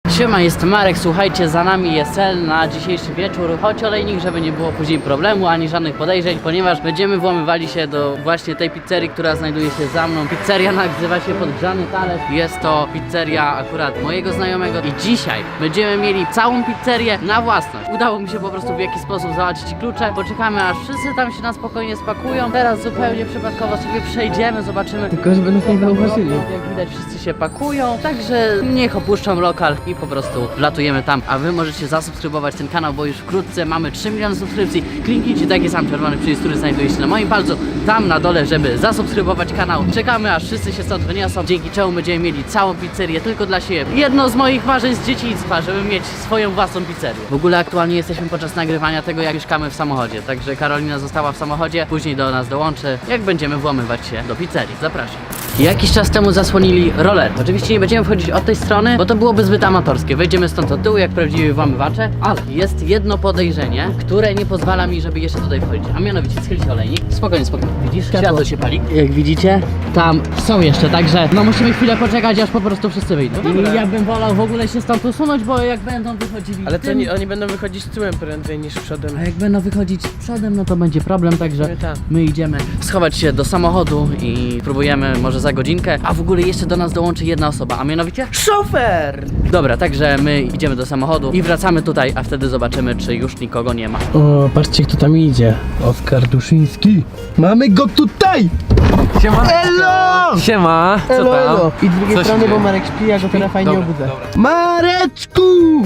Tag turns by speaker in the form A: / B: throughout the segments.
A: Siema, jestem Marek, słuchajcie, za nami jest cel na dzisiejszy wieczór. Chodź olejnik, żeby nie było później problemu, ani żadnych podejrzeń, ponieważ będziemy włamywali się do właśnie tej pizzerii, która znajduje się za mną. Pizzeria nazywa się Podgrzany Talerz. Jest to pizzeria akurat mojego znajomego i dzisiaj będziemy mieli całą pizzerię na własność. Udało mi się po prostu w jakiś sposób załatwić klucze. Poczekamy, aż wszyscy tam się na spokojnie spakują. Teraz zupełnie przypadkowo sobie przejdziemy, zobaczymy.
B: Tylko żeby nas nie zauważyli.
A: Jak widać, wszyscy się pakują, także niech opuszczą lokal i po prostu wlatujemy tam. A wy możecie zasubskrybować ten kanał, bo już wkrótce mamy 3 miliony subskrypcji. Kliknijcie taki sam czerwony przycisk, który znajduje się na moim palcu, tam na dole, żeby zasubskrybować kanał. Czekamy, aż wszyscy się stąd wyniosą, dzięki czemu będziemy mieli całą pizzerię tylko dla siebie. Jedno z moich marzeń z dzieciństwa, żeby mieć swoją własną pizzerię. W ogóle aktualnie jesteśmy podczas nagrywania tego, jak mieszkamy w samochodzie, także Karolina została w samochodzie, później do nas dołączy, jak będziemy włamywać się do pizzerii. Zapraszam. Jakiś czas temu zasłonili roller. Oczywiście nie będziemy wchodzić od tej strony, bo to byłoby zbyt amatorskie. Wejdziemy stąd od tyłu, jak prawdziwi włamywacze, ale jest jedno podejrzenie, które nie pozwala mi, żeby jeszcze tutaj wchodzić. A mianowicie, schyl się olejnik. Spokojnie, spokojnie. Widzisz? Światło się pali. Jak widzicie, tam są jeszcze, także no musimy chwilę poczekać, aż po prostu wszyscy wyjdą. I ja bym wolał w ogóle się stąd usunąć, bo jak będą wychodzili
B: Ale to
A: tym,
B: oni będą wychodzić tyłem prędzej niż przodem.
A: a jak będą wychodzić przodem, no to będzie problem, także
B: Tak.
A: my idziemy schować się do samochodu i próbujemy może za godzinkę, a w ogóle jeszcze do nas dołączy jedna osoba, a mianowicie
B: Szofer!
A: dobra, także my idziemy do samochodu i wracamy tutaj, a wtedy zobaczymy, czy już nikogo nie ma.
C: O, patrzcie kto tam idzie. Oskar Duszyński. Mamy go tutaj!
B: Siema!
C: Elo!
B: Siema! Co
C: Elo,
B: tam?
C: elo. I z drugiej
B: Co się
C: strony,
B: dzieje?
C: bo Marek śpi, ja go teraz fajnie
B: Dobra,
C: obudzę.
B: dobra.
C: Mareczku!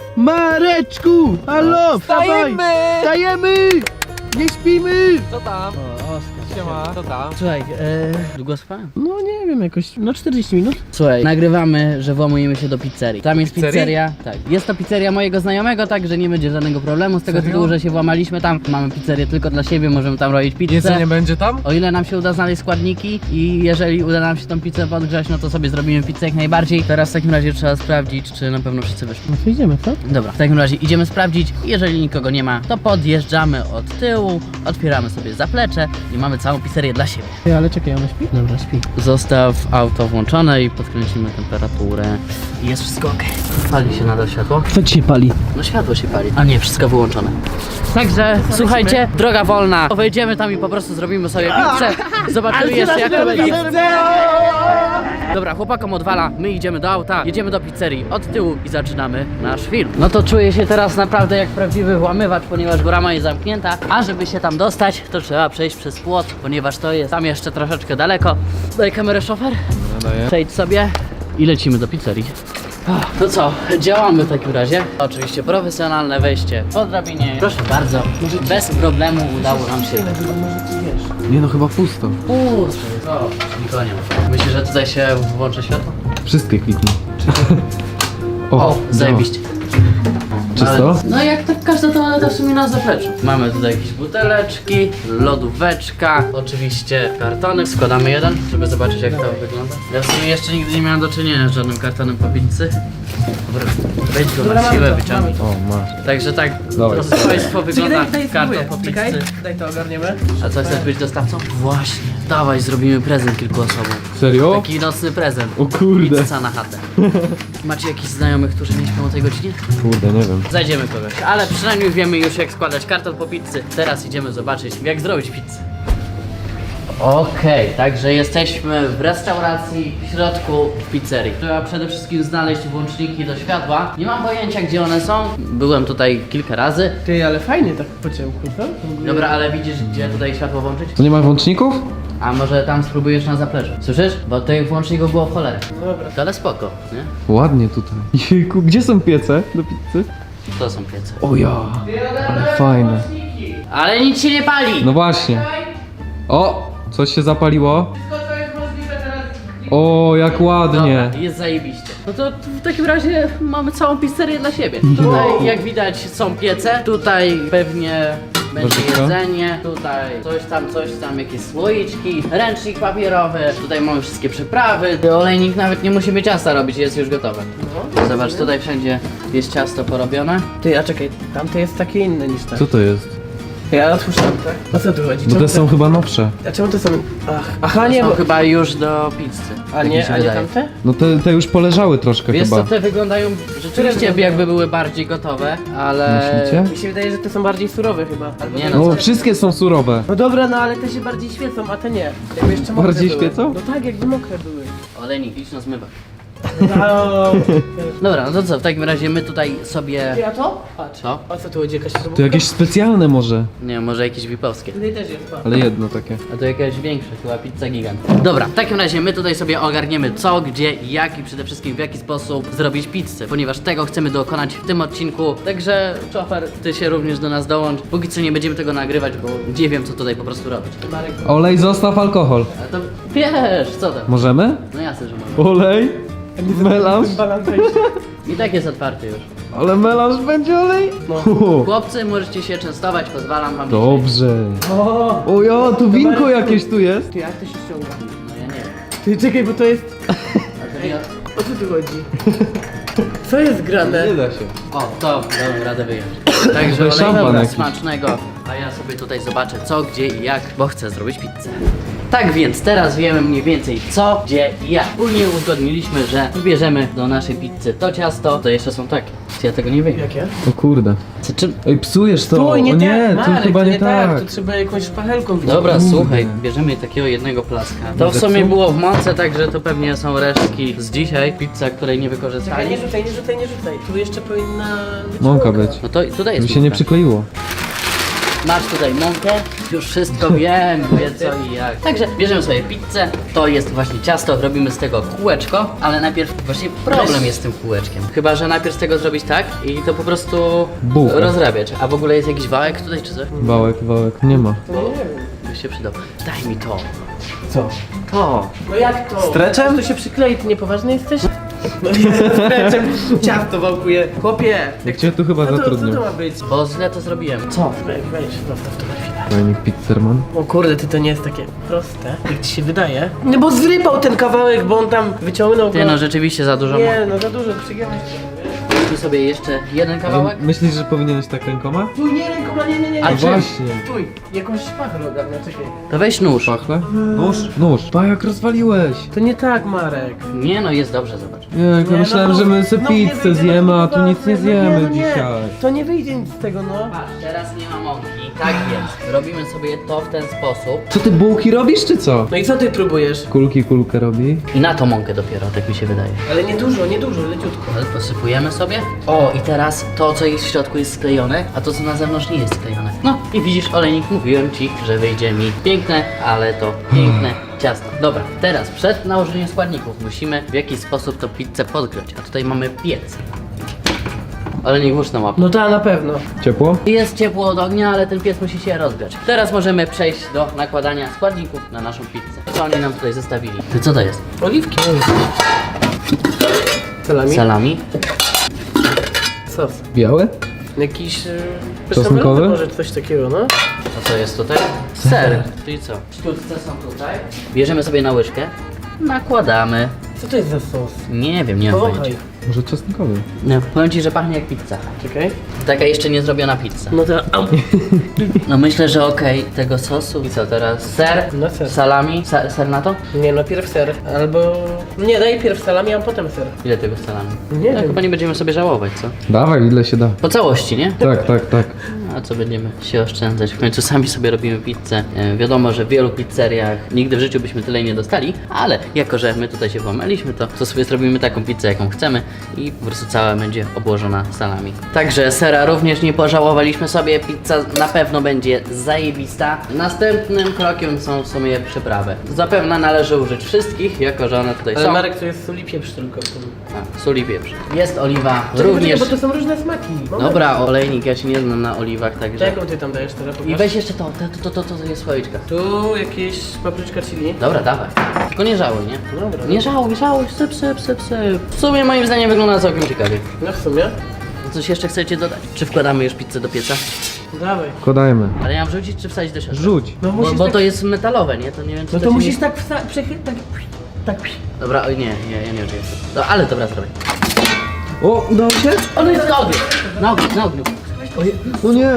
C: Mareczku! Halo, wstawaj!
B: Wstajemy!
C: Wstajemy! Nie śpimy!
B: Co tam? Siema! Co tam?
A: Słuchaj, długo spałem?
C: No nie wiem, jakoś, no 40 minut.
A: Słuchaj, nagrywamy, że włamujemy się do pizzerii. Tam jest
B: Pizzerii?
A: pizzeria, tak. Jest to pizzeria mojego znajomego, także nie będzie żadnego problemu z tego tytułu, że się włamaliśmy tam. Mamy pizzerię tylko dla siebie, możemy tam robić pizzę.
B: Jedzenie będzie tam?
A: O ile nam się uda znaleźć składniki i jeżeli uda nam się tą pizzę podgrzać, no to sobie zrobimy pizzę jak najbardziej. Teraz w takim razie trzeba sprawdzić, czy na pewno wszyscy wyszli.
C: No to idziemy, co?
A: Dobra, w takim razie idziemy sprawdzić. Jeżeli nikogo nie ma, to podjeżdżamy od tyłu, otwieramy sobie zaplecze i mamy całą pizzerię dla siebie.
C: Ty, ale czekaj, ona śpi? Dobra, śpi.
A: Zostaw auto włączone i podkręcimy temperaturę. I jest wszystko ok. Pali się nadal światło?
C: Co ci się pali?
A: No światło się pali. A nie, wszystko wyłączone. Także słuchajcie, droga wolna. Wejdziemy tam i po prostu zrobimy sobie pizzę. Zobaczymy jeszcze jak to będzie. Dobra, chłopakom odwala, my idziemy do auta, jedziemy do pizzerii od tyłu i zaczynamy nasz film. No to czuję się teraz naprawdę jak prawdziwy włamywacz, ponieważ brama jest zamknięta, a żeby się tam dostać, to trzeba przejść przez płot, ponieważ to jest tam jeszcze troszeczkę daleko. Daj kamerę, szofer.
B: Daję.
A: Przejdź sobie i lecimy do pizzerii. To co, działamy w takim razie. Oczywiście profesjonalne wejście po drabinie. Proszę bardzo, bez problemu udało nam się.
D: Nie no, chyba pusto.
A: O, nikogo nie ma. Myślisz, że tutaj się włączy światło?
D: Wszystkie kliknę.
A: O, zajebiście.
D: Czysto?
A: No jak tak każda toaleta w sumie na zapleczu. Mamy tutaj jakieś buteleczki, lodóweczka, oczywiście kartony. Składamy jeden, żeby zobaczyć jak to wygląda. Ja w sumie jeszcze nigdy nie miałem do czynienia z żadnym kartonem po pizzy. Dobra, weź go na siłę wyciągnij.
D: O, masz.
A: Także tak,
D: Dawaj.
A: proszę państwo, wygląda karton po pizzy.
B: Czekaj, daj to ogarniemy.
A: A co, chcesz być dostawcą? Właśnie. Dawaj, zrobimy prezent kilku osobom.
D: Serio?
A: Taki nocny prezent.
D: O kurde.
A: Pizza na chatę. Macie jakichś znajomych, którzy nie śpią o tej godzinie?
D: Kurde, nie wiem.
A: Znajdziemy kogoś, ale przynajmniej wiemy już jak składać karton po pizzy. Teraz idziemy zobaczyć jak zrobić pizzę. Okej, także jesteśmy w restauracji w środku w pizzerii. Trzeba przede wszystkim znaleźć włączniki do światła. Nie mam pojęcia gdzie one są. Byłem tutaj kilka razy.
B: Ty, ale fajnie tak po ciemku, co? W ogóle-
A: Dobra, ale widzisz gdzie tutaj światło włączyć?
D: To nie ma włączników?
A: A może tam spróbujesz na zapleczu? Słyszysz? Bo tych włączników było w cholerę.
B: Dobra.
A: To ale spoko, nie?
D: Ładnie tutaj. Jejku, gdzie są piece do pizzy?
A: To są piece.
D: O ja, ale fajne.
A: Ale nic się nie pali!
D: No właśnie. O, coś się zapaliło. O, jak ładnie.
A: Dobra, jest zajebiście. No to w takim razie mamy całą pizzerię dla siebie. Tutaj jak widać są piece, tutaj pewnie będzie
D: Warzywka?
A: jedzenie, tutaj coś tam, jakieś słoiczki, ręcznik papierowy, tutaj mamy wszystkie przyprawy. Olejnik nawet nie musi ciasta robić, jest już gotowe. Zobacz, tutaj wszędzie jest ciasto porobione.
B: Ty, a czekaj, tamte jest takie inne niż te.
D: Co to jest?
B: Ja otwórzę tak? O co tu chodzi?
D: Bo
B: Czemu
D: te są chyba nowsze.
B: A czemu to są... Aha, nie,
A: Są
B: bo...
A: chyba już do pizzy.
B: A
A: Tak mi
B: nie,
A: się
B: a nie
A: wydaje.
B: tamte?
D: No te już poleżały troszkę
A: Wiesz
D: chyba.
A: co, te wyglądają rzeczywiście jakby były bardziej gotowe, ale...
D: Myślicie?
B: Mi się wydaje, że te są bardziej surowe chyba. Albo
A: Nie
B: te-
A: no,
D: No wszystkie są surowe.
B: No dobra, no ale te się bardziej świecą, a te nie. Jakby jeszcze mokre
D: Bardziej
B: były.
D: świecą?
B: No tak, jakby mokre były.
A: Olejnik, idź na zmywak.
B: No.
A: Dobra, no to co, w takim razie my tutaj sobie...
B: Ty, a to? Patrz.
A: Co?
B: O co tu chodzi? Jakaś
D: To jakieś specjalne może.
A: Nie, może jakieś wipowskie.
B: Tutaj też jest, patrz.
D: Ale jedno takie.
A: A to jakaś większa, chyba pizza gigant. Dobra, w takim razie my tutaj sobie ogarniemy co, gdzie, jak i przede wszystkim w jaki sposób zrobić pizzę, ponieważ tego chcemy dokonać w tym odcinku. Także szofer, ty się również do nas dołącz. Póki co nie będziemy tego nagrywać, bo nie wiem co tutaj po prostu robić.
B: Marek,
D: Olej, zostaw alkohol.
A: Ale to wiesz, co tam?
D: Możemy?
A: No jasne, że mogę.
D: Olej? Melanż?
B: balan
A: I tak jest otwarty już.
D: Ale melanż będzie olej?
B: No.
A: Chłopcy, możecie się częstować, pozwalam wam.
D: Dobrze.
B: O,
D: O ja, tu winko jakieś tu jest.
B: ty, jak to się ściąga?
A: No ja nie wiem.
B: Ty, czekaj, bo to jest...
A: A to ja...
B: O co tu chodzi? Co jest grane?
D: da się.
A: O, to dałem radę wyjąć. Także
D: To jest szampan
A: olejnika
D: jakiś.
A: smacznego, a ja sobie tutaj zobaczę co, gdzie i jak, bo chcę zrobić pizzę. Tak więc teraz wiemy mniej więcej co, gdzie i jak. Wspólnie uzgodniliśmy, że wybierzemy do naszej pizzy to ciasto, to jeszcze są takie. Czy ja tego nie wiem?
B: Jakie?
D: O kurde.
A: Czy...
D: Ej, psujesz to.
B: Stój, nie
D: o nie,
B: tak,
D: to
B: Marek,
D: chyba
B: to
D: nie tak.
B: To trzeba jakąś szpachelką
A: Dobra,
D: Kurde.
A: słuchaj, bierzemy takiego jednego plaska. To w
D: Zepsuł?
A: sumie było w mące, także to pewnie są resztki z dzisiaj. Pizza, której nie
B: Czekaj,
A: wykorzystali.
B: nie rzucaj, nie rzucaj, nie rzucaj. Tu jeszcze powinna być
D: Mąka być.
A: No to tutaj jest
D: Żeby się nie
A: mąka.
D: przykleiło.
A: Masz tutaj mąkę, już wszystko wiem, wie co i jak. Także bierzemy sobie pizzę, to jest właśnie ciasto, robimy z tego kółeczko, ale najpierw właśnie problem jest z tym kółeczkiem. Chyba, że najpierw z tego zrobić tak i to po prostu
D: Bułkę.
A: rozrabiać. A w ogóle jest jakiś wałek tutaj czy coś?
D: Wałek, nie ma.
B: No nie wiem.
A: By się przydał. Daj mi to.
B: Co?
A: To.
B: No jak to?
D: Streczem?
B: To się przyklei, ty niepoważny jesteś? No nie, streczem ciasto wałkuje. Chłopie!
D: Jak cię tu chyba
B: Co to
D: zatrudnią.
B: ma być?
A: Bo źle to zrobiłem. Co?
B: Weź, zostaw to na chwilę.
D: Fajnik pizzerman.
B: O kurde, ty to nie jest takie proste, jak ci się wydaje. No bo zrypał ten kawałek, bo on tam wyciągnął
A: Ty
B: go.
A: no rzeczywiście za dużo.
B: Nie, no za dużo, przygiąłeś.
A: Weźmy sobie jeszcze jeden kawałek.
D: Myślisz, że powinieneś tak rękoma?
B: Tu nie, rękoma, nie.
A: A
D: No
A: czym?
D: właśnie.
B: Stój, jakąś szpachelę ogarnę, czekaj.
A: To weź nóż.
D: Pachle? Nóż? Nóż. Pa, jak rozwaliłeś.
B: To nie tak, Marek.
A: Nie no, jest dobrze, zobacz.
D: Nie, ja myślałem, że my sobie
B: nie
D: pizzę
B: wyjdzie,
D: zjemy, a tu
B: no
D: nic nie
B: nie,
D: zjemy
B: no nie.
D: dzisiaj.
B: To nie wyjdzie nic z tego, no.
A: Patrz, teraz nie ma mąki. Tak więc, robimy sobie to w ten sposób.
D: Co ty bułki robisz, czy co?
B: No i co ty próbujesz?
D: Kulkę robi.
A: I na to mąkę dopiero, tak mi się wydaje.
B: Ale nie dużo, leciutko.
A: Ale posypujemy sobie. O, i teraz to, co jest w środku jest sklejone, a to, co na zewnątrz nie jest sklejone. No i widzisz, olejnik, mówiłem ci, że wyjdzie mi piękne, ale to piękne ciasto. Dobra, teraz przed nałożeniem składników musimy w jakiś sposób tą pizzę podgrzać, a tutaj mamy piec. Olejnik, włóż na łapę.
B: No ta na pewno.
D: Ciepło?
A: Jest ciepło od ognia, ale ten piec musi się rozgrzać. Teraz możemy przejść do nakładania składników na naszą pizzę. Co oni nam tutaj zostawili? Ty co to jest?
B: Oliwki. Salami?
A: Salami.
B: Sos.
D: Białe?
B: Jakiś...
D: Czosnkowy?
B: Może coś takiego, no.
A: A co jest tutaj? Ser. Czyli co? Sztuczce są tutaj. Bierzemy sobie na łyżkę. Nakładamy.
B: Co to jest za sos?
A: Nie wiem, nie mam
B: Powąchaj.
A: pojęcia.
D: Może czosnkowy?
A: No, powiem ci, że pachnie jak pizza.
B: Czekaj.
A: Taka jeszcze nie zrobiona pizza.
B: No to... Au.
A: No myślę, że okej, tego sosu. I co teraz? Ser?
B: No ser.
A: Salami? Ser na to?
B: Nie no, pierw ser. Albo... Nie, daj pierw salami, a potem ser.
A: Ile tego salami?
B: Nie
A: No,
B: wiem.
A: chyba nie będziemy sobie żałować, co?
D: Dawaj, ile się da.
A: Po całości, nie?
D: Tak.
A: A co będziemy się oszczędzać? W końcu sami sobie robimy pizzę. Wiadomo, że w wielu pizzeriach nigdy w życiu byśmy tyle nie dostali, ale jako, że my tutaj się włamaliśmy, to sobie zrobimy taką pizzę, jaką chcemy i po prostu cała będzie obłożona salami. Także sera również nie pożałowaliśmy sobie, pizza na pewno będzie zajebista. Następnym krokiem są w sumie przyprawy. Zapewne należy użyć wszystkich, jako że one tutaj
B: Ale
A: są.
B: Marek, to jest sól i pieprz tylko w tym.
A: A, sól i pieprz. Jest oliwa
B: Czekaj,
A: również.
B: bo to są różne smaki. Moment.
A: Dobra, olejnik, ja się nie znam na oliwach,
B: To
A: także...
B: jaką ty tam dajesz teraz?
A: I
B: Pokaż.
A: weź jeszcze to jest słoiczka.
B: Tu jakieś papryczka chili.
A: Dobra, dawaj. Tylko nie żałuj, nie?
B: Dobra.
A: Nie żałuj, syp. W sumie moim zdaniem wygląda całkiem ciekawie.
B: No w sumie.
A: Coś jeszcze chcecie dodać? Czy wkładamy już pizzę do pieca?
B: Dawaj.
D: Wkładajmy.
A: Ale ja mam wrzucić czy wsadzić do środka?
D: Rzuć.
B: No
A: Bo,
B: musisz
A: bo
B: tak...
A: to jest metalowe, nie? To nie wiem czy
B: No
A: to
B: to
A: się
B: musisz
A: nie...
B: tak tak...
A: Dobra, oj nie, ja nie wiem czy jest. No, ale dobra, zrobię.
D: O, udało się?
A: On jest na ogniu! Na ogniu!
D: O nie.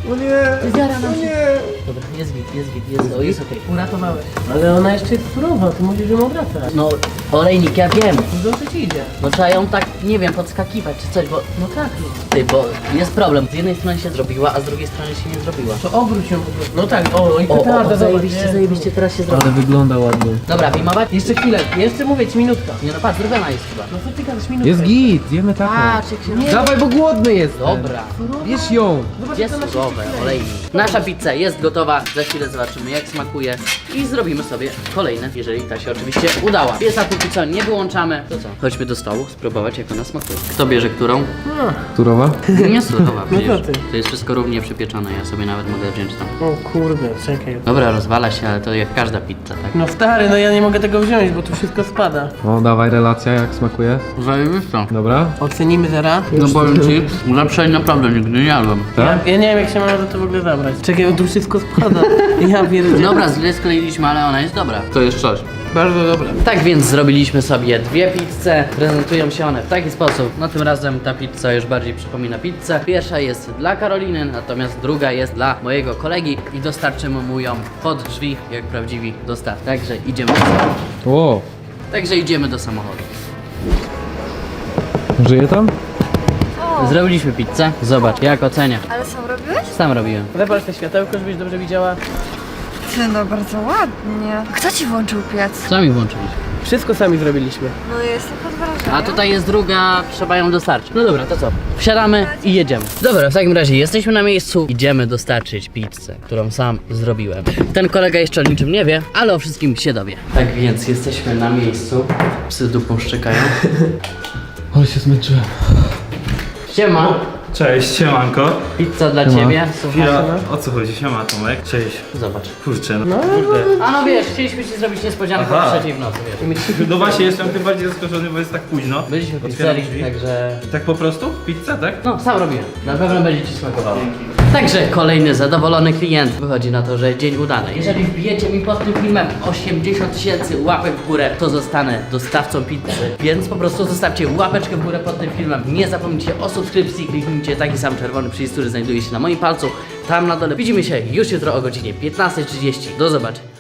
B: O nie!
A: Zjara nam się. Dobra, jest git, jest okej.
B: Uratowałeś. Ale ona jeszcze jest surowa, ty musisz ją obracać.
A: No, olejnik, ja wiem.
B: Dobrze ci idzie.
A: No trzeba ją tak, nie wiem, podskakiwać czy coś, bo...
B: No tak.
A: Ty, bo jest problem. Z jednej strony się zrobiła, a z drugiej strony się nie zrobiła.
B: To obróć ją po prostu. No tak, o i petarda,
A: Zajebiście, teraz się zrobi.
D: Ale wygląda ładnie.
A: Dobra, filmować?
B: Jeszcze chwilę, jeszcze mówię ci minutka.
A: Nie no, patrz, zrobiona jest chyba.
B: No co ty gadasz, minutka?
D: Jest git, zjemy taką.
A: Patrz, jak się...
B: Nie.
D: Dawaj, bo głodny jest.
A: Dobra.
D: Bierz ją.
B: Zobacz,
A: Jest
B: jak ona się
A: surowe,
B: wkleja.
A: olejnik. Nasza pizza jest gotowa, za chwilę zobaczymy jak smakuje i zrobimy sobie kolejne, jeżeli ta się oczywiście udała. Piesa póki co nie wyłączamy, to co? Chodźmy do stołu, spróbować jak ona smakuje. Kto bierze którą?
B: No.
D: Turowa?
A: Nie surowa,
B: No
A: przecież.
B: co ty?
A: To jest wszystko równie przypieczone, ja sobie nawet mogę wziąć tam.
B: O kurde, czekaj.
A: Dobra, rozwala się, ale to jak każda pizza, tak?
B: No stary, no ja nie mogę tego wziąć, bo tu wszystko spada.
D: O, dawaj, relacja, jak smakuje.
A: Zajebisto.
D: Dobra.
B: Ocenimy zaraz.
A: No powiem ci, lepszej naprawdę nigdy nie jadłem.
D: Tak?
B: Ja nie wiem jak się mam za to w ogóle zabrać. Czekaj, bo tu wszystko spada. Ja pierdzielę.
A: Dobra, źle skleiliśmy, ale ona jest dobra.
D: To jest coś.
B: Bardzo dobre.
A: Tak więc zrobiliśmy sobie dwie pizze. Prezentują się one w taki sposób. No tym razem ta pizza już bardziej przypomina pizzę. Pierwsza jest dla Karoliny, natomiast druga jest dla mojego kolegi i dostarczymy mu ją pod drzwi, jak prawdziwi dostaw. Także idziemy do samochodu.
D: O, żyje tam?
A: Zrobiliśmy pizzę. Zobacz, jak ocenia.
E: Ale sam robiłeś?
A: Sam robiłem.
B: Zapal te światełko, żebyś dobrze widziała.
E: Ty, no bardzo ładnie. Kto ci włączył piec?
A: Sami włączyliśmy.
B: Wszystko sami zrobiliśmy.
E: No jestem pod wrażeniem.
A: A tutaj jest druga, trzeba ją dostarczyć. No dobra, to co? Wsiadamy i jedziemy. Dobra, w takim razie jesteśmy na miejscu. Idziemy dostarczyć pizzę, którą sam zrobiłem. Ten kolega jeszcze o niczym nie wie, ale o wszystkim się dowie. Tak więc jesteśmy na miejscu. Psy dupą szczekają.
D: Ale się zmęczyłem.
A: Siema,
F: Cześć, siemanko.
A: pizza dla ciebie. Słuchaj.
F: Chwila, o co chodzi? Siema Tomek. Cześć.
A: Zobacz.
F: Kurczę, no kurde.
A: A no wiesz, chcieliśmy ci zrobić niespodziankę
F: Aha.
A: o 3:00 w nocy, wiesz.
F: No właśnie, jestem tym bardziej zaskoczony, bo jest tak późno.
A: Byliśmy w
F: Otwieram
A: pizzerii,
F: drzwi.
A: także...
F: Tak po prostu? Pizza, tak?
A: No, sam robiłem. Na pewno będzie ci smakowało. Także kolejny zadowolony klient. Wychodzi na to, że dzień udany. Jeżeli wbijecie mi pod tym filmem 80 000 łapek w górę, to zostanę dostawcą pizzy. Więc po prostu zostawcie łapeczkę w górę pod tym filmem. Nie zapomnijcie o subskrypcji. Kliknijcie taki sam czerwony przycisk, który znajduje się na moim palcu. Tam na dole. Widzimy się już jutro o godzinie 15:30. Do zobaczenia.